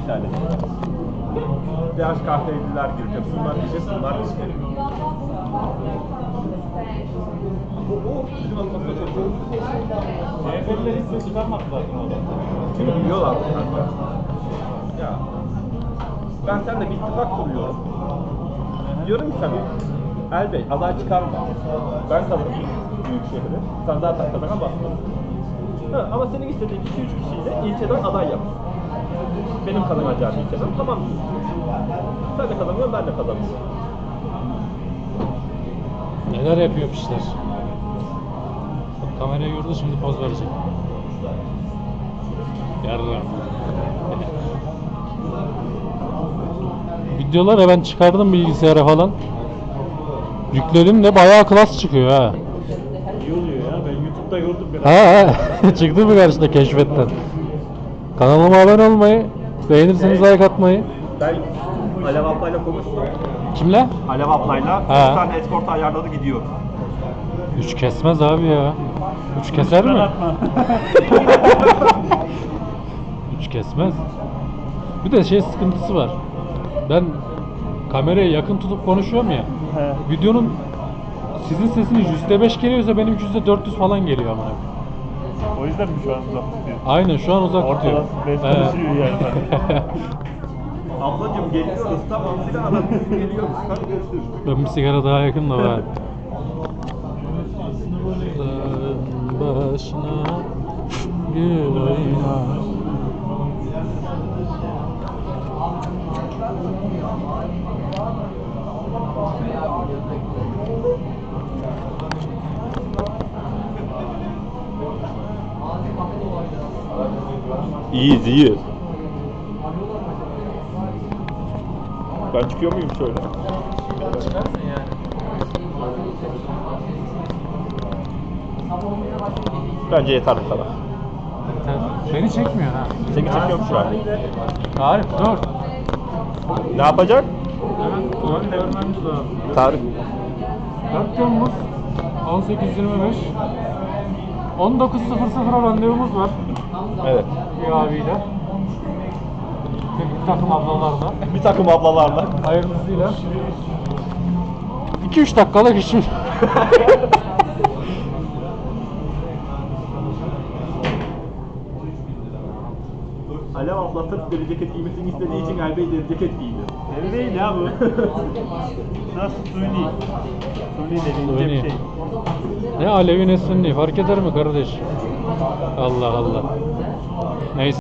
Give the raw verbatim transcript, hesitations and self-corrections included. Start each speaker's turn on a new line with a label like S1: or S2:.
S1: iptal edildi. D H K F'liler girecek, bunlar diyecek, bunlar diyecek. Bu, bu bizim almasına çalışıyoruz.
S2: C H P'liler hiç ses çıkarmadı zaten orada.
S1: Çünkü biliyorlar kanka. Ya, ben seninle bir ittifak kuruyorum. Diyorum ki sana, Elbey aday çıkarma. Ben kazanayım büyük şehri. Sen zaten kazanamazsın. Ha, ama senin istediğin iki üç kişiyle ilçeden aday yap. Benim kazanacağım ilçeden tamam mı? Sen de kazanıyorsun, ben de kazanıyorum.
S3: Neler yapıyor piçler. Bak kamerayı gördü, şimdi poz verecek. Yarram. Videoları ben çıkardım bilgisayara falan. Yükledim de bayağı klas çıkıyor ha.
S2: İyi oluyor ya, ben YouTube'da gördüm biraz.
S3: Ha ha. Çıktı mı karşına keşfetten? Kanalıma abone olmayı, beğenirseniz like atmayı.
S1: Ben Alev ablayla konuştum.
S3: Kimle?
S1: Alev ablayla
S3: Ha.
S1: bir tane escort ayarladı gidiyor.
S3: Üç kesmez abi ya. Üç keser mi?
S2: Atma.
S3: Üç kesmez. Bir de şey sıkıntısı var. Ben kamerayı yakın tutup konuşuyorum ya.
S2: He.
S3: Videonun sizin sesiniz yüzde beş geliyorsa benim yüzde dört yüz falan geliyor amına.
S2: O yüzden mi şu an uzak tutuyor?
S3: Aynen şu an uzak tutuyor.
S2: Ortadan beş konuşuyor yani.
S1: Ablacım geliyoruz tamam silah adam biz geliyoruz. Hadi görüşürüz.
S3: Ben bir sigara daha yakın da var. Dağın başına gül oynar.
S1: İyiyiz iyiyiz. Ben çıkıyor muyum şöyle?
S3: Çıkarsın yani.
S1: Bence yeter bu kadar.
S3: Beni çekmiyor ha.
S1: Seni çekiyorum şu an.
S3: Tarık dur.
S1: Ne yapacak?
S3: Evet, tuvalet görmemiz lazım.
S1: Tarık.
S3: dört Temmuz on sekiz yirmi beş on dokuz sıfır sıfıra randevumuz var
S1: Evet.
S3: bir abiyle. Bir takım ablalarla.
S1: Bir takım ablalarla.
S3: Hayırlısıyla. iki üç dakikalık işim.
S1: Alev abla sırf deri ceket giymesini istediği için Elbey deri ceket giydi.
S2: Deri değil ya bu. Nasıl suni? Suni dediğin
S3: Suni.
S2: bir şey.
S3: Ne Alevi ne Sünni fark eder mi kardeş? Allah Allah. Neyse.